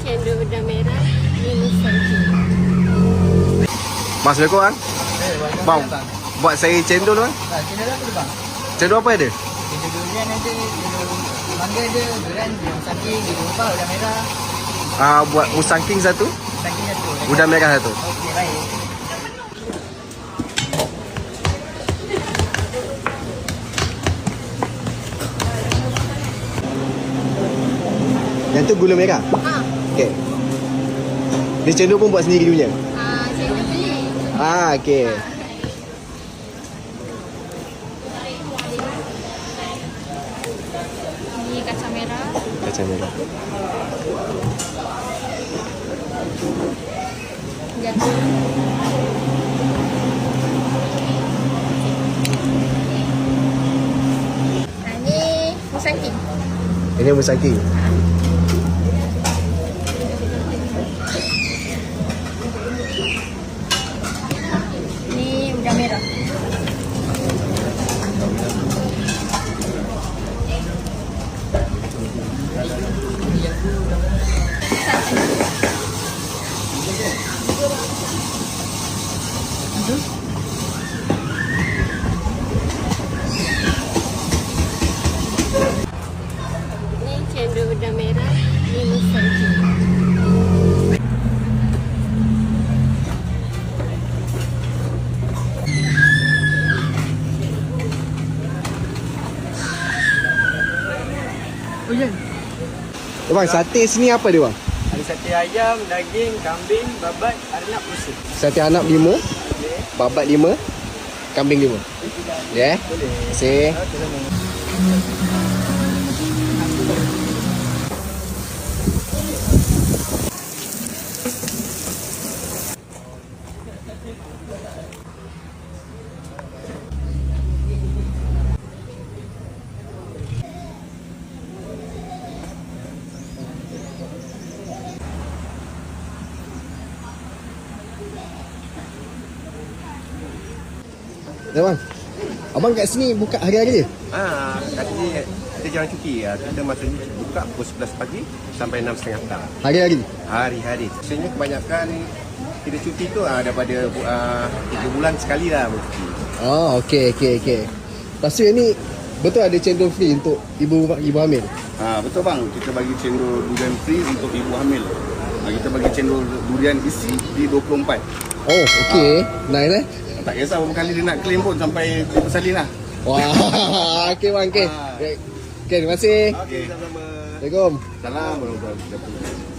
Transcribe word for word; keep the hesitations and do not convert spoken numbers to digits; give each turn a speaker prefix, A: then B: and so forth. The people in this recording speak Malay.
A: cendol udang merah, ini musangking.
B: Mas, Assalamualaikum bang. Bang, buat saya cendol bang.
C: Ha, cendol apa tu bang?
B: Cendol apa ada?
C: Cendol durian ada, cendol mangga ada, durian, musangking, dirubah, udang merah.
B: Ah, buat musangking satu,
C: Musangking satu.
B: udang merah satu.
C: Okey, baik.
B: Yang tu gula merah.
A: Ha.
B: Okey. Dia cendol pun buat sendiri punya.
A: Ah, cendol beli.
B: Ah, okey.
A: Ini kacang merah.
B: Kacang merah.
A: Jagung. Ah, ini musangking.
B: Ini musangking.
A: Ini udang merah. Ini cendol udang merah, ini musangking.
C: Oh, ya.
B: Eh, bang, sate sini apa dia bang?
C: Ada sate ayam, daging, kambing, babat, arnab, usus.
B: Sate anak lima,
C: Okey.
B: babat lima, kambing lima. Ya. Yeah.
C: Boleh.
B: Terima kasih.
C: Okey, sama.
B: Ya bang. Abang kat sini buka hari-hari je?
D: Ah, kat sini kita jangan cuti ya. Kita maksudnya buka pukul sebelas pagi sampai enam tiga puluh petang.
B: Hari-hari.
D: Hari-hari. Biasanya kebanyakan kita cuti tu ah, daripada ah, tiga bulan sekali lah cuti.
B: Oh, okey okey okey. Lepas tu yang ni betul ada cendol free untuk ibu ibu hamil.
D: Ah, betul bang, kita bagi cendol durian free untuk ibu hamil. Ah, kita bagi cendol durian isi di dua puluh empat.
B: Oh, okey. Nice eh.
D: Tak kisah berapa kali dia nak claim pun sampai dia bersalin lah.
B: Wah, okey bang, okey.
D: Ah.
B: Okey, terima kasih.
D: Okey, sama-sama.
B: Assalamualaikum.
D: Salam warahmatullahi wabarakatuh.